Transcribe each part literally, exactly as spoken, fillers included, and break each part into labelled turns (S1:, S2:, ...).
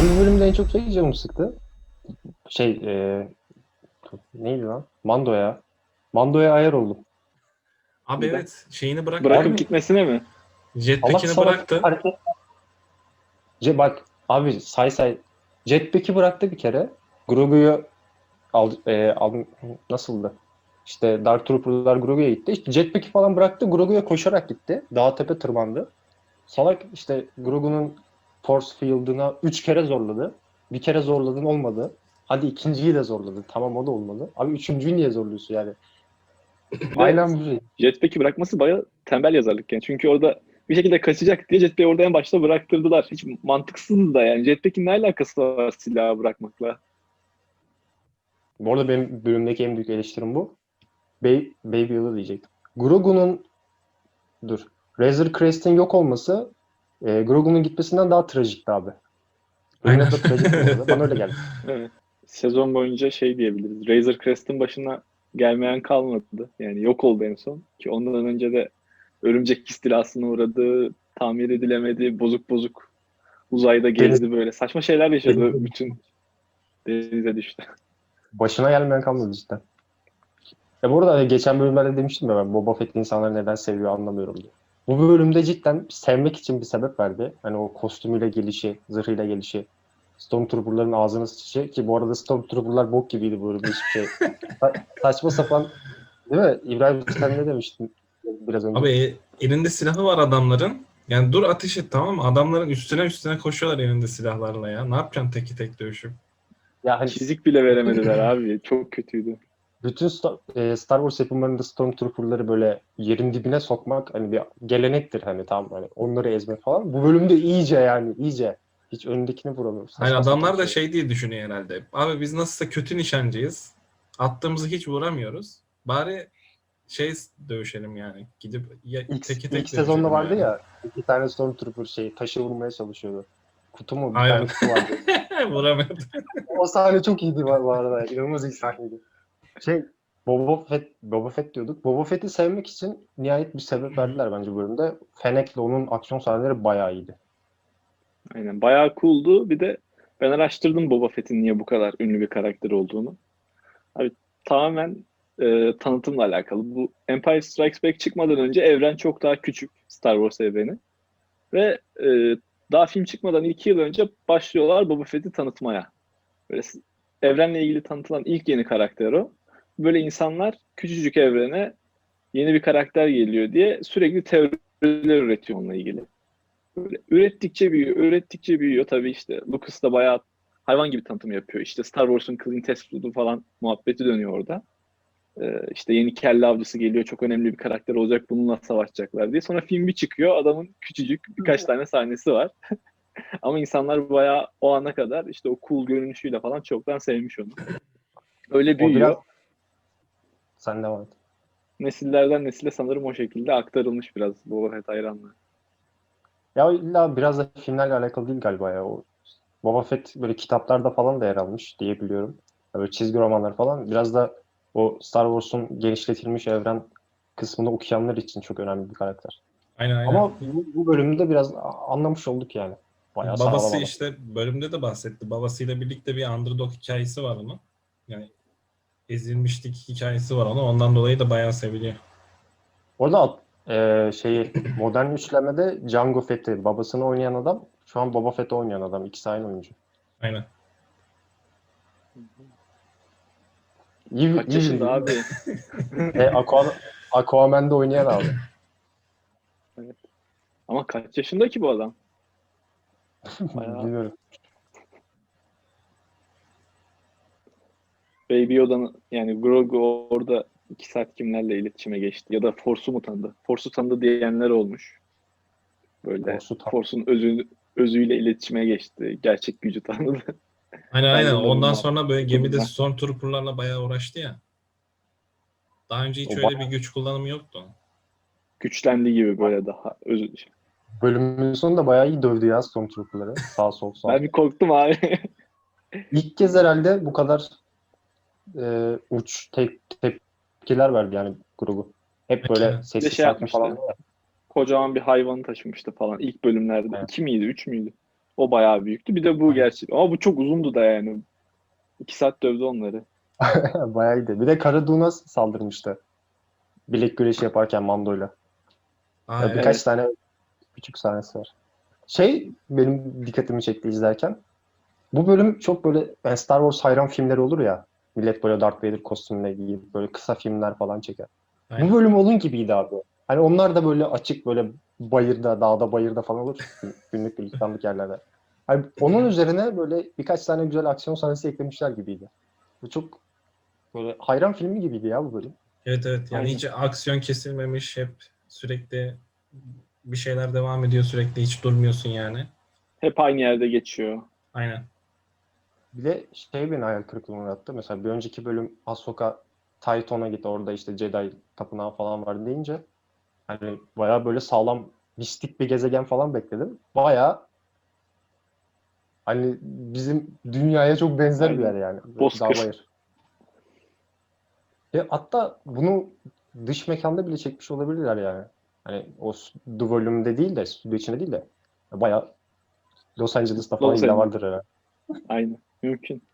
S1: Benim bu bölümde en çok şey canımı sıktı. Şey e, neydi lan? Mando'ya. Mando'ya ayar oldum.
S2: Abi
S3: Neden?
S2: evet şeyini bıraktı.
S3: Bırakıp
S1: Abi
S3: gitmesine mi?
S1: salak
S2: Jetpack'ini
S1: salak
S2: bıraktı.
S1: hareket. Ce, bak abi say say. Jetpack'i bıraktı bir kere. Grogu'yu al, e, al, nasıldı? İşte Dark Trooper'lar Grogu'ya gitti. İşte Jetpack'i falan bıraktı. Grogu'ya koşarak gitti. Dağ tepe tırmandı. Salak işte Grogu'nun Force Field'ına üç kere zorladı. Bir kere zorladın olmadı. Hadi ikinciyi de zorladı. Tamam o da olmadı. Abi üçüncüyü niye zorluyorsun yani?
S3: Bir de
S1: Aynen bu şey.
S3: Jetpack'i bırakması bayağı tembel yazarlık yani. Çünkü orada bir şekilde kaçacak diye Jetpack'i orada en başta bıraktırdılar. Hiç mantıksız da yani. Jetpack'in ne alakası var silahı bırakmakla?
S1: Bu arada benim bölümdeki en büyük eleştirim bu. Baby, Baby Yoda diyecektim. Grogu'nun dur. Razor Crest'in yok olması e, Grogu'nun gitmesinden daha trajikti abi. Bölümün
S2: Aynen.
S1: adı da trajik bu arada. Bana öyle geldi.
S3: Evet. Sezon boyunca şey diyebiliriz. Razor Crest'in başına gelmeyen kalmadı. Yani yok oldu en son. Ki ondan önce de örümcek istilasına uğradı, tamir edilemedi, bozuk bozuk uzayda
S1: Deniz,
S3: gezdi böyle. Saçma şeyler yaşadı.
S1: deniz
S3: Bütün denize düştü.
S1: başına gelmeyen kalmadı cidden. Ya bu arada hani geçen bölümlerde demiştim ya ben Boba Fett'i insanlar neden seviyor anlamıyorum diye. Bu bölümde cidden sevmek için bir sebep verdi. Hani o kostümüyle gelişi, zırhıyla gelişi, Stormtrooper'ların ağzına sıçışı ki bu arada Stormtrooper'lar bok gibiydi bu bölümde hiçbir şey. Sa- saçma sapan değil mi? İbrahim sen ne demiştin biraz önce?
S2: Abi e, elinde silahı var adamların. Yani dur ateş et, tamam mı? Adamların üstüne üstüne koşuyorlar elinde silahlarla ya. Ne yapacaksın teki tek dövüşüp?
S1: Ya hani
S3: Çizik bile veremediler abi. Çok kötüydü.
S1: bütün Star, e, Star Wars yapımlarında Stormtrooper'ları böyle yerin dibine sokmak hani bir gelenektir hani tamam hani onları ezmek falan. Bu bölümde iyice yani iyice hiç önündekini vuramıyor.
S2: Hayır,
S1: Saçma sapan
S2: adamlar da
S1: şey.
S2: şey diye düşünüyor herhalde. Abi biz nasılsa kötü nişancıyız. Attığımızı hiç vuramıyoruz. Bari şey dövüşelim yani. Gidip ya,
S1: İlk,
S2: teki
S1: ilk
S2: tek
S1: sezonda
S2: dövüşelim
S1: vardı
S2: yani.
S1: ya iki tane Stormtrooper şey taşı vurmaya çalışıyordu. Kutu mu? Bir
S2: Aynen.
S1: tane kutu vardı.
S2: Vuramıyordu.
S1: O sahne çok iyiydi bu bu arada. İnanılmaz iyi sahneydi. Şey Boba Fett, Boba Fett diyorduk. Boba Fett'i sevmek için nihayet bir sebep verdiler bence bu bölümde. Fennec'le onun aksiyon sahneleri bayağı iyiydi.
S3: Aynen. Bayağı cool'du. Bir de ben araştırdım Boba Fett'in niye bu kadar ünlü bir karakter olduğunu. Abi tamamen e, tanıtımla alakalı. Bu Empire Strikes Back çıkmadan önce evren çok daha küçük. Star Wars evreni. Ve e, daha film çıkmadan iki yıl önce başlıyorlar Boba Fett'i tanıtmaya. Böyle s- evrenle ilgili tanıtılan ilk yeni karakter o. Böyle insanlar küçücük evrene yeni bir karakter geliyor diye sürekli teoriler üretiyor onunla ilgili. Böyle ürettikçe büyüyor, ürettikçe büyüyor. Tabii işte Lucas da bayağı hayvan gibi tanıtım yapıyor. İşte Star Wars'un Clint Eastwood'u falan muhabbeti dönüyor orada. Ee, işte yeni kelle avcısı geliyor, çok önemli bir karakter olacak, bununla savaşacaklar diye. Sonra film bir çıkıyor, adamın küçücük birkaç tane sahnesi var. Ama insanlar bayağı o ana kadar işte o cool görünüşüyle falan çoktan sevmiş onu. Öyle
S1: O biraz
S3: büyüyor.
S1: sen devam et.
S3: Nesillerden nesile sanırım o şekilde aktarılmış biraz Boba Fett hayranlığı.
S1: Ya illa biraz da filmlerle alakalı değil galiba ya. O Boba Fett böyle kitaplarda falan da yer almış diye biliyorum. Ya böyle çizgi romanlar falan. Biraz da o Star Wars'un genişletilmiş evren kısmını okuyanlar için çok önemli bir karakter.
S2: Aynen aynen.
S1: Ama bu, bu bölümde biraz anlamış olduk yani. Bayağı sağlam
S2: Babası
S1: adam.
S2: işte bölümde de bahsetti. Babasıyla birlikte bir underdog hikayesi var onun. Yani ezilmişlik hikayesi var onun. Ondan dolayı da bayağı seviliyor.
S1: Orada e, şeyi modern üçlemede Jango Fett'i babasını oynayan adam şu an Boba Fett'i oynayan adam. İkisi aynı oyuncu.
S2: Aynen.
S1: İyi,
S3: Kaç
S1: iyi
S3: yaşında
S1: bildi.
S3: abi?
S1: E, Aquaman, Aquaman'da oynayan abi.
S3: Evet. Ama kaç yaşında ki bu adam? Bayağı
S1: Bilmiyorum.
S3: Baby Yoda'nın yani Grogu orada iki saat kimlerle iletişime geçti ya da Force'u mu tanıdı? Force'u tanıdı diyenler olmuş. Böyle
S1: Force'u tam.
S3: Force'un özü, özüyle iletişime geçti. Gerçek gücü tanıdı.
S2: Aynen aynen.
S3: Bende de bu
S2: Ondan
S3: muhabbet
S2: sonra böyle gemide
S3: okudum ben.
S2: Stormtrooper'larla bayağı uğraştı ya. Daha önce hiç
S1: O
S2: öyle bir
S1: bayağı
S2: güç kullanımı yoktu.
S3: Güçlendi gibi böyle daha özü.
S1: bölümün sonunda bayağı iyi dövdü ya Stormtrooper'ları. Sağ sol sağ.
S3: Ben bir korktum abi.
S1: İlk kez herhalde bu kadar e, uç te- tepkiler verdi yani grubu. Hep böyle
S2: Aynen.
S3: Bir de
S1: sessiz
S3: şey
S1: sakin falan.
S3: yapmıştı. Kocaman bir hayvanı taşımıştı falan ilk bölümlerde.
S1: Yani
S3: İki miydi, üç müydü? O bayağı büyüktü. Bir de bu gerçi. Ama bu çok uzundu da yani. İki saat dövdü onları.
S1: Bayağı iyiydi. Bir de Cara Dune'a saldırmıştı. Bilek güreşi yaparken Mando'yla.
S2: Aa,
S1: Ya
S2: evet.
S1: birkaç
S3: Evet.
S1: tane küçük sahnesi var. Şey benim dikkatimi çekti izlerken. Bu bölüm çok böyle yani Star Wars hayran filmleri olur ya. Millet böyle Darth Vader kostümüne giyip böyle kısa filmler falan çeker. Bu
S2: Aynen.
S1: bölüm onun gibiydi abi. Hani onlar da böyle açık böyle bayırda, dağda, bayırda falan olur. Günlük gülistanlık yerlerde. Hani onun üzerine böyle birkaç tane güzel aksiyon sahnesi eklemişler gibiydi. Bu çok böyle hayran filmi gibiydi ya bu bölüm.
S2: Evet evet. Yani
S3: Aynen.
S2: hiç aksiyon kesilmemiş. Hep sürekli bir şeyler devam ediyor. Sürekli hiç durmuyorsun yani.
S3: Hep aynı yerde geçiyor.
S2: Aynen.
S1: Bir de şey beni hayal kırıklığına uğrattı. Mesela bir önceki bölüm Ahsoka Titan'a gitti. Orada işte Jedi tapınağı falan var deyince hani bayağı böyle sağlam mistik bir gezegen falan bekledim. Bayağı hani bizim dünyaya çok benzer bir yer
S3: Aynen.
S1: yani. Böyle dağ
S3: Bozkır.
S1: bayır. E, hatta bunu dış mekanda bile çekmiş olabilirler yani. Hani o The Volume'de değil de stüdyo içinde değil de bayağı Los Angeles'ta falan
S3: Los
S1: illa
S3: Angeles.
S1: vardır herhalde.
S3: Aynen. Mümkün.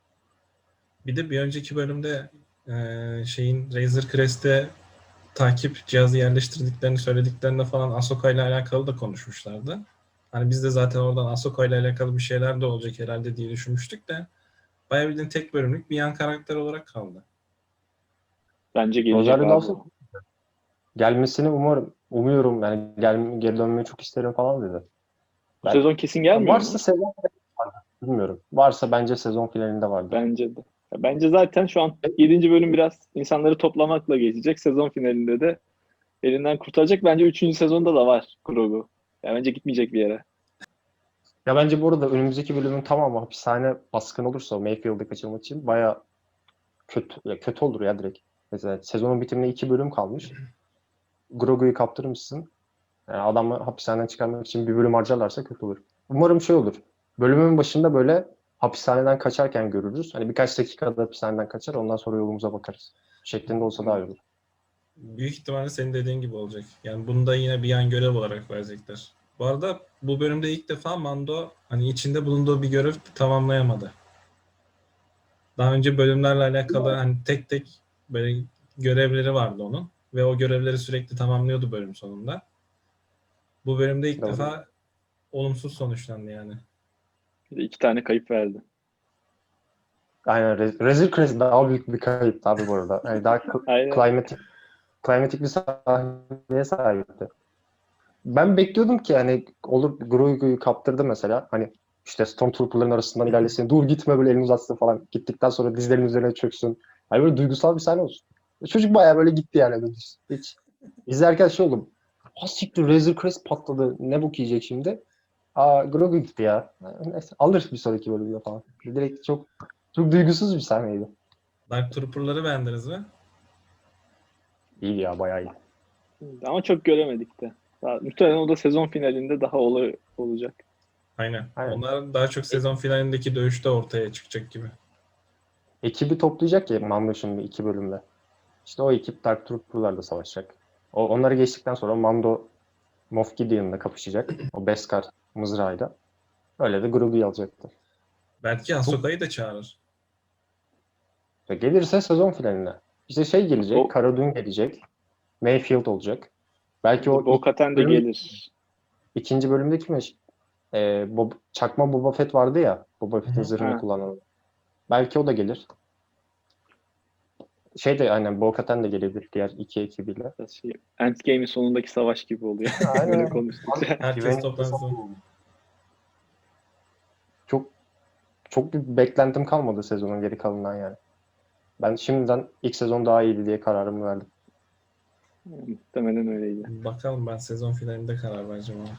S2: Bir de bir önceki bölümde e, şeyin Razor Crest'e takip cihazı yerleştirdiklerini söylediklerinde falan Ahsoka ile alakalı da konuşmuşlardı. Hani biz de zaten oradan Ahsoka ile alakalı bir şeyler de olacak herhalde diye düşünmüştük de bayağı bildiğin tek bölümlük bir yan karakter olarak kaldı.
S3: Bence gelecek
S1: Rosario
S3: abi
S1: Dawson
S3: o.
S1: gelmesini umarım, umuyorum yani gel, geri dönmeyi çok isterim falan dedi.
S3: Bu
S1: Ben,
S3: sezon kesin gelmiyor
S1: varsa
S3: mu?
S1: sezon bilmiyorum. Varsa bence sezon finalinde vardır.
S3: Bence de. Ya bence zaten şu an yedinci bölüm biraz insanları toplamakla geçecek. Sezon finalinde de elinden kurtaracak. Bence üçüncü sezonda da var Grogu. Ya bence gitmeyecek bir yere.
S1: Ya bence bu arada önümüzdeki bölümün tamamı hapishane baskın olursa Mayfield'ı kaçırmak için bayağı kötü, ya kötü olur ya direkt. Mesela sezonun bitimine iki bölüm kalmış. Grogu'yu kaptırmışsın. Yani adamı hapishaneden çıkarmak için bir bölüm harcarlarsa kötü olur. Umarım şey olur. Bölümün başında böyle hapishaneden kaçarken görürüz. Hani birkaç dakikada hapishaneden kaçar ondan sonra yolumuza bakarız. Şeklinde olsa daha iyi olur.
S2: Büyük ihtimalle senin dediğin gibi olacak. Yani bunu da yine bir yan görev olarak verecekler. Bu arada bu bölümde ilk defa Mando hani içinde bulunduğu bir görev tamamlayamadı. Daha önce bölümlerle alakalı hani tek tek böyle görevleri vardı onun ve o görevleri sürekli tamamlıyordu bölüm sonunda. Bu bölümde ilk
S1: Doğru.
S2: defa olumsuz sonuçlandı yani.
S3: Bir de iki tane kayıp verdi.
S1: Aynen. Re- Razor Crest daha büyük bir kayıp tabii bu arada. Yani daha kl-
S3: Aynen.
S1: klimatik, klimatik bir sahneye sahipti. Ben bekliyordum ki hani olur Grogu'yu kaptırdı mesela. Hani işte Stormtrooper'ların arasından ilerlesin. Dur gitme böyle elini uzatsın falan. Gittikten sonra dizlerinin üzerine çöksün. Hani böyle duygusal bir sahne olsun. Çocuk bayağı böyle gitti yani. Hiç, hiç. İzlerken şey oldum. Ha siktir Razor Crest patladı. Ne bok yiyecek şimdi? Aa Grogu gitti ya. Neyse, alır bir sonraki bölümde falan. Direkt çok çok duygusuz bir sahneydi.
S2: Dark Trooper'ları beğendiniz mi?
S1: İyi ya bayağı iyi.
S3: Ama çok göremedik de. Daha, muhtemelen o da sezon finalinde daha olay olacak.
S2: Aynen.
S1: Aynen.
S2: Onlar daha çok
S1: E-
S2: sezon finalindeki dövüşte ortaya çıkacak gibi.
S1: ekibi toplayacak ya Mando şimdi iki bölümde. İşte o ekip Dark Trooper'larla savaşacak. O, onları geçtikten sonra Mando Moff Gideon'la kapışacak. O Beskar mızrağıyla. Öyle de Grogu'yu alacaktır.
S2: Belki
S1: Çok
S2: Ahsoka'yı da çağırır.
S1: gelirse sezon finaline. İşte şey gelecek,
S3: Bo
S1: Cara Dune gelecek. Mayfield olacak. Belki o ilk
S3: Bo-Katan de
S1: bölüm,
S3: gelir.
S1: ikinci bölümde kim? Ee, Bob, çakma Boba Fett vardı ya. Boba
S2: Hı
S1: Fett'in
S2: hı.
S1: zırhını
S3: Ha,
S1: kullanan. Belki o da gelir. Şey de aynen Bo-Katan da gelebilir diğer iki ekibiyle.
S3: şey, Endgame'in sonundaki savaş gibi oluyor. Böyle
S1: Aynen. Abi,
S3: konuştukça.
S2: Herkes
S1: güvenlik
S2: toplansın.
S1: çok çok bir beklentim kalmadı sezonun geri kalanından yani. Ben şimdiden ilk sezon daha iyiydi diye kararımı verdim.
S3: Muhtemelen öyleydi.
S2: Bakalım ben sezon finalinde karar vereceğim ama.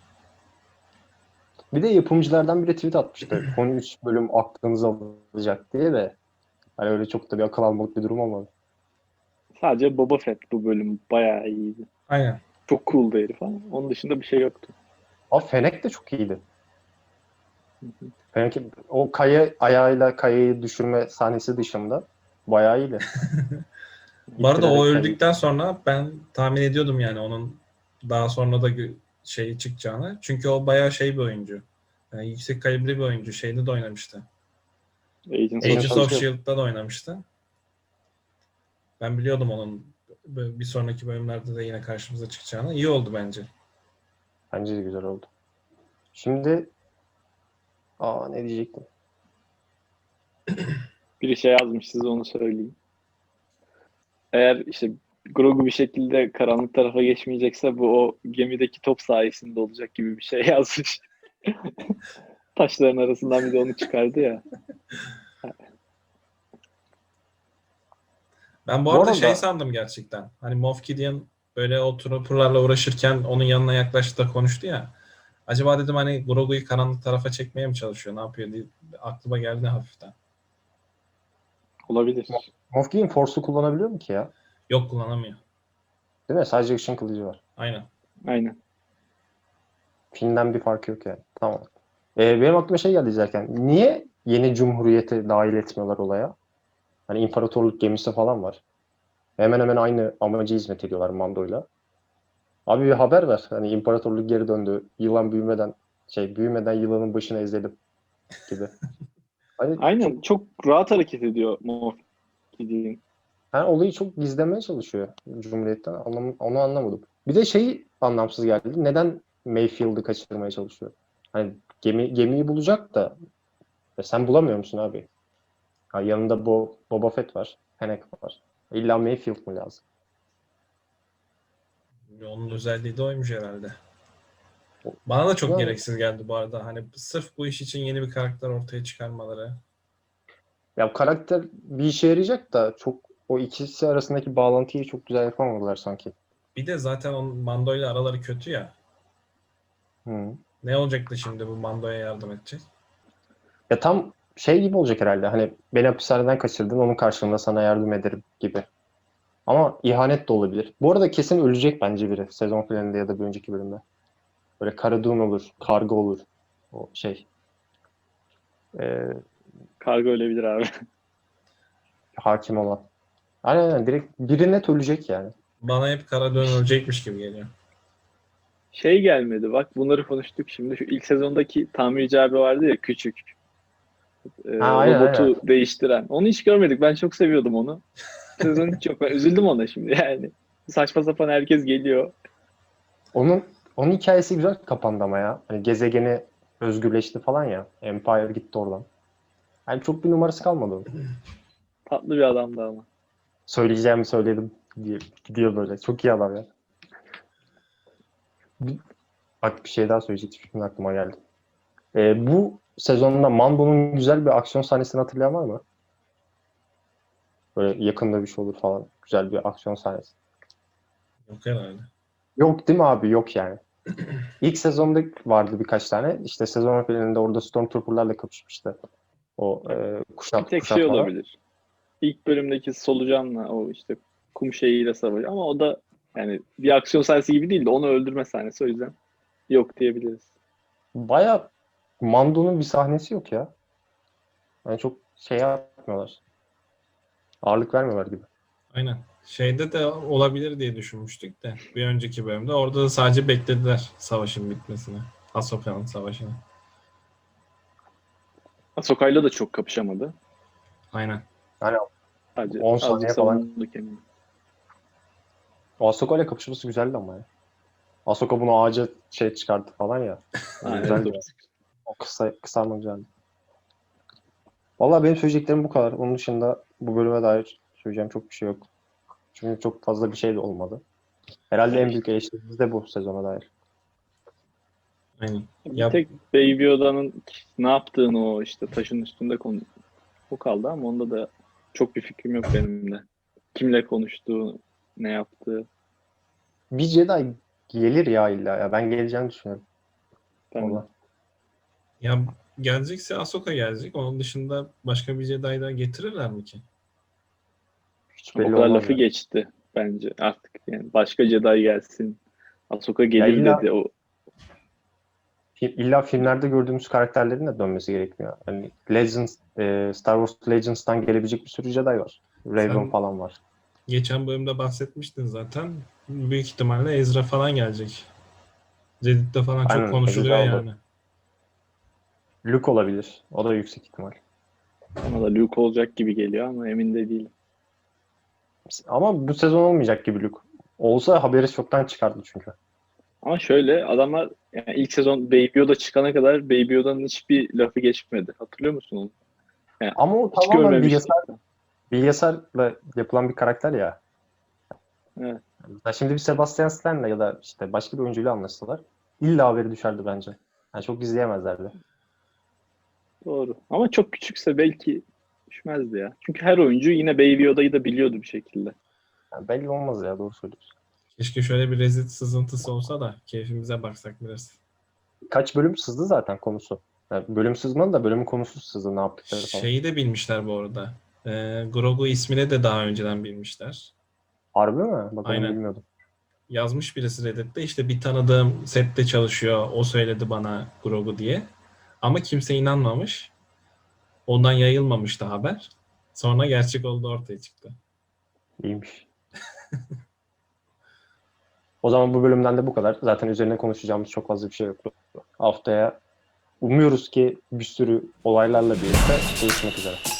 S1: Bir de yapımcılardan biri tweet atmıştı. Son üç bölüm aklınızı alacak diye de hani öyle çok da bir akıl almalık bir durum olmadı.
S3: Sadece Boba Fett bu bölüm bayağı iyiydi.
S2: Aynen.
S3: Çok cool'du herif ama onun dışında bir şey yoktu.
S1: Ama Fennec de çok iyiydi. Fennec o kaya ayağıyla kayayı düşürme sahnesi dışında bayağı iyiydi.
S2: Bu arada o
S1: İttirerek kayayı.
S2: öldükten sonra ben tahmin ediyordum yani onun daha sonra da gö- şey çıkacağını. Çünkü o bayağı şey bir oyuncu. Yani yüksek kalibre bir oyuncu. Şeyde de oynamıştı.
S3: Agents,
S2: Agents
S3: of
S2: of
S3: Shield.
S2: Shield'da da oynamıştı. Ben biliyordum onun bir sonraki bölümlerde de yine karşımıza çıkacağını. İyi oldu bence.
S1: Bence de güzel oldu. Şimdi aa ne diyecektim?
S3: Biri şey yazmış, size onu söyleyeyim. Eğer işte Grogu bir şekilde karanlık tarafa geçmeyecekse bu o gemideki top sayesinde olacak gibi bir şey yazmış. Taşların arasından bir de onu çıkardı ya.
S2: Ben bu,
S1: Bu
S2: arada
S1: arada-
S2: şey sandım gerçekten. Hani Moff Gideon böyle o trooperlarla uğraşırken onun yanına yaklaştı da konuştu ya. Acaba dedim hani Grogu'yu karanlık tarafa çekmeye mi çalışıyor? Ne yapıyor diye aklıma geldi hafiften.
S3: Olabilir.
S1: Moff Gideon Force'u kullanabiliyor mu ki ya?
S2: Yok, kullanamıyor.
S1: Değil mi? Sadece ışın kılıcı var.
S2: Aynen.
S3: Aynen.
S1: Filmden bir farkı yok yani. Tamam. Ee, benim aklıma şey geldi izlerken. Niye yeni cumhuriyeti dahil etmiyorlar olaya? Hani imparatorluk gemisi falan var. Hemen hemen aynı amacı hizmet ediyorlar Mando'yla. Abi bir haber ver. Hani imparatorluk geri döndü. Yılan büyümeden şey büyümeden yılanın başını ezelim gibi. Hani
S3: Aynen. Çok rahat hareket ediyor Moff Gideon.
S1: yani olayı çok gizlemeye çalışıyor Cumhuriyet'ten. Anlam onu anlamadım. Bir de şey anlamsız geldi. Neden Mayfield'ı kaçırmaya çalışıyor? Hani gemi gemiyi bulacak da e sen bulamıyor musun abi? Ha, yanında Bo Boba Fett var. Fennec var. İlla Mayfield mı lazım?
S2: Onun özelliği de oymuş herhalde. Bana da çok
S1: Yani-
S2: gereksiz geldi bu arada. Hani sırf bu iş için yeni bir karakter ortaya çıkarmaları.
S1: Ya karakter bir işe yarayacak da çok o ikisi arasındaki bağlantıyı çok güzel yapamadılar sanki.
S2: Bir de zaten onun Mando ile araları kötü ya.
S1: Hı.
S2: Ne olacaktı şimdi bu Mando'ya yardım edecek?
S1: Ya tam şey gibi olacak herhalde. Hani beni hapishaneden kaçırdın, onun karşılığında sana yardım ederim gibi. Ama ihanet de olabilir. Bu arada kesin ölecek bence biri. Sezon finalinde ya da bir önceki bölümde. Böyle Cara Dune olur, Karga olur. O şey. E,
S3: Kargo ölebilir abi.
S1: hakim olan. Aynen aynen. Direkt biri net ölecek yani.
S2: Bana hep kara dönülecekmiş gibi geliyor.
S3: Şey gelmedi. Bak bunları konuştuk şimdi. Şu ilk sezondaki tamirci abi vardı ya, küçük. Ee,
S1: Ha, aynen,
S3: robotu
S1: aynen.
S3: değiştiren. Onu hiç görmedik. Ben çok seviyordum onu. Sezon hiç yok. Ben üzüldüm ona şimdi yani. Saçma sapan herkes geliyor.
S1: Onun onun hikayesi güzel kapandı ama ya. Hani gezegeni özgürleşti falan ya. Empire gitti oradan. Yani çok bir numarası kalmadı onun.
S3: Tatlı bir adamdı ama.
S1: Söyleyeceğimi söyledim diye gidiyor böyle. Çok iyi adam ya. Bir- Bak bir şey daha söyleyecektim. Şimdi aklıma geldi. Ee, bu sezonda Mando'nun güzel bir aksiyon sahnesini hatırlayan var mı? Böyle yakında bir şey olur falan. Güzel bir aksiyon sahnesi.
S2: Yok herhalde.
S1: Yok değil mi abi? Yok yani. İlk sezonda vardı birkaç tane. İşte sezon finalinde orada Stormtrooper'larla kapışmıştı. O e,
S3: Bir
S1: kuşat,
S3: tek şey
S1: kuşatmalar.
S3: olabilir. İlk bölümdeki solucanla o işte kum şeyiyle savaşı, ama o da yani bir aksiyon sahnesi gibi değil de onu öldürme sahnesi, o yüzden yok diyebiliriz.
S1: Baya Mando'nun bir sahnesi yok ya. Yani çok şey yapmıyorlar. Ağırlık vermiyorlar gibi.
S2: Aynen. Şeyde de olabilir diye düşünmüştük de bir önceki bölümde. Orada da sadece beklediler savaşın bitmesini. Ahsoka'nın savaşını.
S3: Ahsoka'yla da çok kapışamadı.
S2: Aynen.
S1: Yani
S3: Sadece
S1: on
S3: azıcık
S1: saniye falan.
S3: savundu kendini.
S1: O Ahsoka ile kapışması güzeldi ama ya. Ahsoka bunu ağaca şey çıkarttı falan ya. O
S3: Ha,
S1: güzeldi
S3: evet,
S1: ya. O kısa, kısalma güzeldi. Valla benim söyleyeceklerim bu kadar. Onun dışında bu bölüme dair söyleyeceğim çok bir şey yok. Çünkü çok fazla bir şey de olmadı. Herhalde en büyük eleştirimiz de bu sezona dair.
S2: Aynen.
S3: Bir
S2: Ya,
S3: tek Baby Yoda'nın ne yaptığını, o işte taşın üstünde konu o kaldı, ama onda da çok bir fikrim yok benim de. Kimle konuştuğu, ne yaptığı.
S1: Bir Jedi gelir ya illa ya. Ben geleceğini düşünüyorum.
S3: Ben
S1: Ona.
S2: ya gelecekse Ahsoka gelecek. Onun dışında başka bir Jedi daha getirirler mi ki?
S1: Hiç
S3: o
S1: belli
S3: kadar
S1: olmaz
S3: lafı
S1: ya.
S3: geçti bence artık. Yani başka Jedi gelsin. Ahsoka
S1: Ya
S3: gelir
S1: illa,
S3: dedi. O
S1: illa filmlerde gördüğümüz karakterlerin de dönmesi gerekmiyor. Yani Legends, e, Star Wars Legends'tan gelebilecek bir sürü Jedi var. Raven
S2: Sen
S1: falan var.
S2: geçen bölümde bahsetmiştin zaten. Büyük ihtimalle Ezra falan gelecek. Reddit'te falan çok
S1: Aynen.
S2: konuşuluyor
S1: Ezra oldu.
S2: yani.
S1: Luke olabilir. O da yüksek ihtimal.
S3: Bana da Luke olacak gibi geliyor ama emin de değilim.
S1: Ama bu sezon olmayacak gibi Luke. Olsa haberi çoktan çıkardı çünkü.
S3: Ama şöyle adamlar yani ilk sezon Baby Yoda çıkana kadar Baby Yoda'nın hiçbir lafı geçmedi. Hatırlıyor musun onu? Yani
S1: Ama o
S3: hiç
S1: tamamen
S3: görmemiştim.
S1: bilgisayar, bilgisayarla yapılan bir karakter ya.
S3: Evet.
S1: Ya şimdi bir Sebastian Stan'la ya da işte başka bir oyuncuyla anlaşsalar illa haberi düşerdi bence. Yani çok izleyemezlerdi.
S3: Doğru. Ama çok küçükse belki düşmezdi ya. Çünkü her oyuncu yine Baby Yoda'yı da biliyordu bir şekilde.
S1: Yani belli olmaz ya, doğru söylüyorsun.
S2: Keşke şöyle bir Reddit sızıntısı olsa da keyfimize baksak biraz.
S1: Kaç bölüm sızdı zaten konusu. Yani bölüm sızmadı da bölümün konusu sızdı, ne yaptıkları falan.
S2: Şeyi de bilmişler bu arada. Ee, Grogu ismini de daha önceden bilmişler.
S1: Harbi mi? Bak onu
S2: Aynen.
S1: bilmiyordum.
S2: Yazmış birisi Reddit'te, işte bir tanıdığım sette çalışıyor, o söyledi bana Grogu diye. Ama kimse inanmamış. Ondan yayılmamıştı haber. Sonra gerçek olduğu ortaya çıktı.
S1: İyiymiş. O zaman bu bölümden de bu kadar. Zaten üzerine konuşacağımız çok fazla bir şey yok. Haftaya umuyoruz ki bir sürü olaylarla birlikte görüşmek üzere.